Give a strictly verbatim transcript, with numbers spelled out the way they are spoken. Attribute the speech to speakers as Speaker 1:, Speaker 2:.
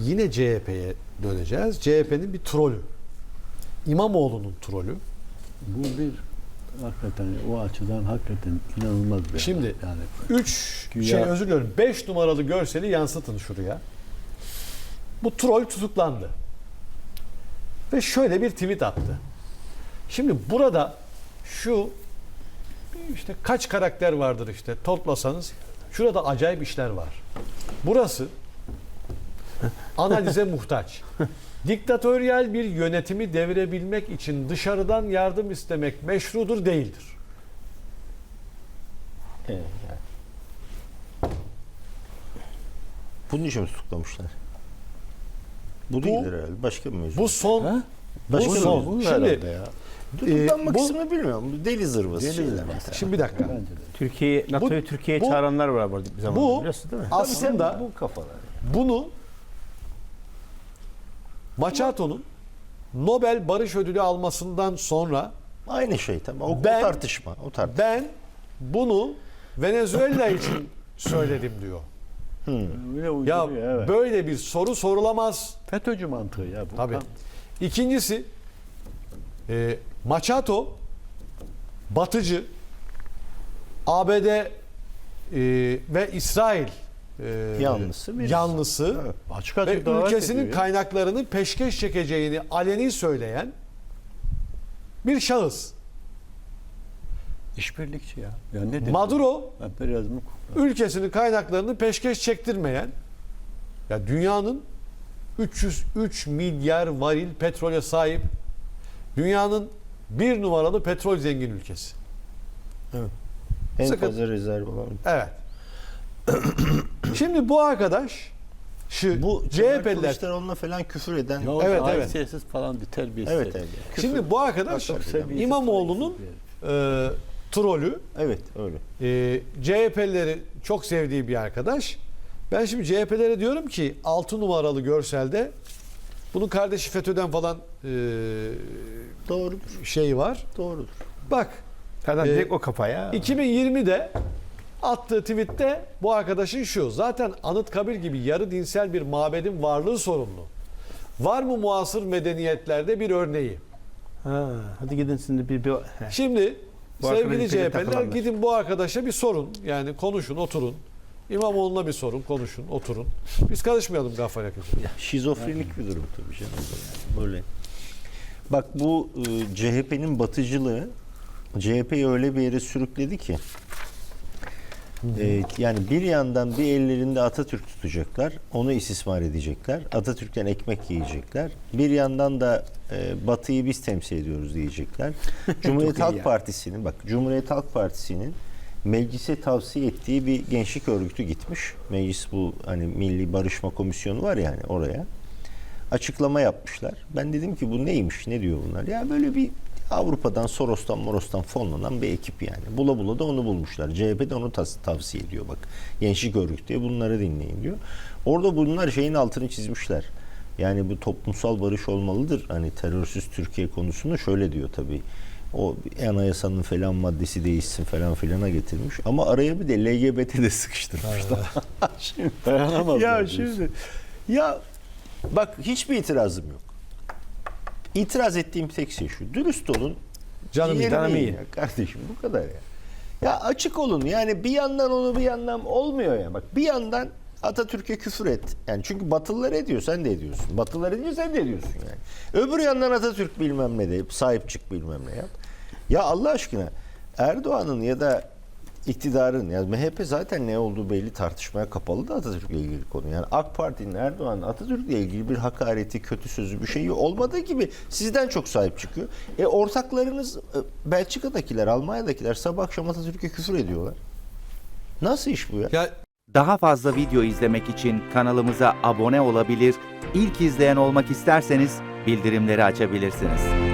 Speaker 1: yine C H P'ye döneceğiz. C H P'nin bir trolü. İmamoğlu'nun trolü.
Speaker 2: Bu bir hakikaten o açıdan hakikaten inanılmaz bir
Speaker 1: Şimdi
Speaker 2: yani.
Speaker 1: üç
Speaker 2: Güya-
Speaker 1: şey özür diliyorum. beş numaralı görseli yansıtın şuraya. Bu troll tutuklandı. Ve şöyle bir tweet attı. Şimdi burada şu işte kaç karakter vardır işte toplasanız şurada acayip işler var. Burası analize muhtaç. Diktatöryel bir yönetimi devirebilmek için dışarıdan yardım istemek meşrudur değildir.
Speaker 3: Evet, yani. Bunun için mi tutuklamışlar? Bu değildir herhalde. Başka bir mevzu.
Speaker 1: Bu son
Speaker 2: Ha?
Speaker 3: Başka
Speaker 1: bu
Speaker 3: bir
Speaker 1: son.
Speaker 3: mevzu
Speaker 1: Şimdi
Speaker 3: herhalde ya. Tutuklanmak
Speaker 1: e, bu-
Speaker 3: kısmını bilmiyorum. Deli zırvası
Speaker 2: Deli
Speaker 3: şeyler
Speaker 2: zırvası.
Speaker 3: mesela.
Speaker 1: şimdi bir dakika.
Speaker 2: Bence de.
Speaker 4: Türkiye NATO'yu Türkiye'ye
Speaker 1: bu-
Speaker 4: çağıranlar var burada bir zaman
Speaker 1: bu-
Speaker 4: biliyorsun değil mi?
Speaker 1: Aslında
Speaker 3: bu kafalar.
Speaker 1: bunu Machato'nun Nobel Barış Ödülü almasından sonra
Speaker 3: Aynı şey tamam. O,
Speaker 1: Ben-
Speaker 3: o tartışma. O tartışma.
Speaker 1: ben bunu Venezuela için söyledim diyor.
Speaker 2: Öyle
Speaker 1: Ya
Speaker 2: uyduruyor, evet.
Speaker 1: böyle bir soru sorulamaz.
Speaker 2: FETÖ'cü mantığı ya bu.
Speaker 1: Tabii.
Speaker 2: Tam-
Speaker 1: İkincisi e, Machato batıcı A B D e, ve İsrail e,
Speaker 3: Yanlısı birisi.
Speaker 1: yanlısı
Speaker 3: Evet.
Speaker 2: Açık
Speaker 1: ve
Speaker 2: açık davet
Speaker 1: ülkesinin
Speaker 2: ediyor ya.
Speaker 1: kaynaklarını peşkeş çekeceğini aleni söyleyen bir şahıs.
Speaker 2: İşbirlikçi ya. Ya ne dedi?
Speaker 1: Maduro
Speaker 2: Emperyalizmi
Speaker 1: ülkesinin kaynaklarını peşkeş çektirmeyen, ya dünyanın üç yüz üç milyar varil petrole sahip dünyanın bir numaralı petrol zengin ülkesi.
Speaker 3: En
Speaker 1: Sıkıntı-
Speaker 3: fazla rezerv olan.
Speaker 1: Evet. Şimdi bu arkadaş şu
Speaker 3: Bu
Speaker 1: C H P'liler
Speaker 3: Kılıçdaroğlu'na falan küfür eden.
Speaker 2: Ya
Speaker 1: Evet,
Speaker 2: evet,
Speaker 1: evet.
Speaker 2: evet. falan bir terbiyesiz.
Speaker 3: Evet, evet. Küfür.
Speaker 1: şimdi bu arkadaş
Speaker 2: Çok seviyesiz,
Speaker 1: İmamoğlu'nun
Speaker 2: saygısız
Speaker 1: e, trolü,
Speaker 3: Evet öyle.
Speaker 1: e, C H P'lileri çok sevdiği bir arkadaş. Ben şimdi C H P'lere diyorum ki altı numaralı görselde bunun kardeşi FETÖ'den falan e,
Speaker 3: Doğrudur.
Speaker 1: şey var.
Speaker 3: Doğrudur.
Speaker 1: Bak
Speaker 4: Zaten
Speaker 1: Ee,
Speaker 4: direkt o kafaya.
Speaker 1: iki bin yirmide attığı tweette bu arkadaşın şu. Zaten Anıtkabir gibi yarı dinsel bir mabedin varlığı sorunlu. Var mı muasır medeniyetlerde bir örneği?
Speaker 4: Ha, hadi gidin şimdi bir, bir Heh.
Speaker 1: Şimdi
Speaker 4: Bu
Speaker 1: sevgili
Speaker 4: arkadaşın
Speaker 1: C H P'liler
Speaker 4: takılanlar.
Speaker 1: gidin bu arkadaşa bir sorun. Yani konuşun, oturun. İmamoğlu'na bir sorun, konuşun, oturun. Biz karışmayalım Gaffar Yakıcı.
Speaker 3: Şizofrenik bir durum tabii canım. Yani böyle. Bak bu e, C H P'nin batıcılığı C H P'yi öyle bir yere sürükledi ki e, yani bir yandan bir ellerinde Atatürk tutacaklar, onu istismar edecekler, Atatürk'ten ekmek yiyecekler. Bir yandan da e, Batı'yı biz temsil ediyoruz diyecekler. Cumhuriyet
Speaker 4: iyi
Speaker 3: Halk
Speaker 4: ya.
Speaker 3: Partisi'nin bak Cumhuriyet Halk Partisi'nin meclise tavsiye ettiği bir gençlik örgütü gitmiş. Meclis bu hani Milli Barışma Komisyonu var yani oraya. Açıklama yapmışlar. Ben dedim ki bu neymiş? Ne diyor bunlar? Ya böyle bir Avrupa'dan, Soros'tan, Moros'tan fonlanan bir ekip yani. Bula bula da onu bulmuşlar. C H P de onu tas- tavsiye ediyor bak. Gençlik örgütü diye bunları dinleyin diyor. Orada bunlar şeyin altını çizmişler. Yani bu toplumsal barış olmalıdır. Hani terörsüz Türkiye konusunu şöyle diyor tabii. O anayasanın falan maddesi değişsin falan filana getirmiş. Ama araya bir de L G B T de sıkıştırmışlar. Şimdi,
Speaker 2: Dayanamazlar
Speaker 3: ya
Speaker 2: diyorsun.
Speaker 3: şimdi ya bak hiçbir itirazım yok. İtiraz ettiğim tek şey şu. Dürüst olun.
Speaker 1: Canım iyi,
Speaker 3: ciğerimi
Speaker 4: canım
Speaker 3: yiyin
Speaker 4: iyi.
Speaker 3: ya kardeşim bu kadar ya. Ya açık olun. Yani bir yandan onu bir yandan olmuyor ya. Bak bir yandan Atatürk'e küfür et. Yani çünkü Batılılar ediyor sen de ediyorsun. Batılılar ediyor sen de ediyorsun yani. Öbür yandan Atatürk bilmem ne de sahip çık bilmem ne yap. Ya Allah aşkına Erdoğan'ın ya da iktidarın ya M H P zaten ne olduğu belli tartışmaya kapalı da Atatürk'le ilgili konu. Yani AK Parti'nin Erdoğan'ın Atatürk'le ilgili bir hakareti, kötü sözü bir şeyi olmadığı gibi sizden çok sahip çıkıyor. E ortaklarınız e, Belçika'dakiler, Almanya'dakiler sabah akşam Atatürk'e küfür ediyorlar. Nasıl iş bu ya?
Speaker 1: Ya
Speaker 5: Daha fazla video izlemek için kanalımıza abone olabilir, ilk izleyen olmak isterseniz bildirimleri açabilirsiniz.